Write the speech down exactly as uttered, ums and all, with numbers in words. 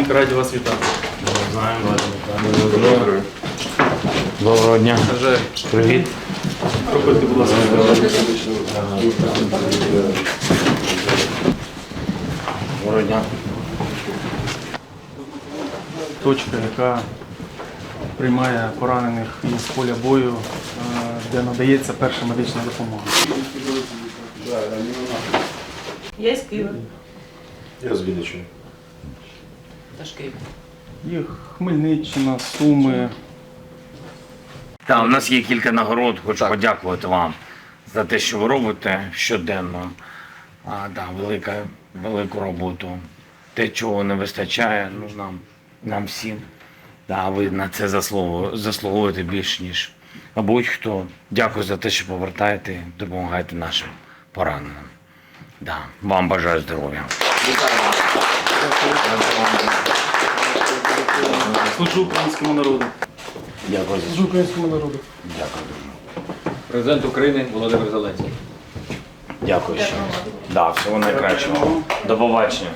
Романенко, раді вас вітати. Знаємо, Доброго. Доброго дня. Бажаю. Привіт. Проходьте, будь ласка. Доброго дня. Точка, яка приймає поранених із поля бою, е, де надається перша медична допомога. Я з Києва. Я з Вінниччини. Теж Київ. Їх Хмельниччина, Суми. Так, у нас є кілька нагород. Хочу подякувати вам за те, що ви робите щоденно. А, да, велика, велику роботу. Те, чого не вистачає, ну, нам, нам всім. Да, ви на це заслугу- заслуговуєте більш, ніж будь-хто. Дякую за те, що повертаєте, допомагаєте нашим пораненим. Да, вам бажаю здоров'я. Служу українському народу. Дякую за Служу українському народу. Дякую дуже. Президент України Володимир Зеленський. Дякую ще. Да, всього найкращого. До побачення.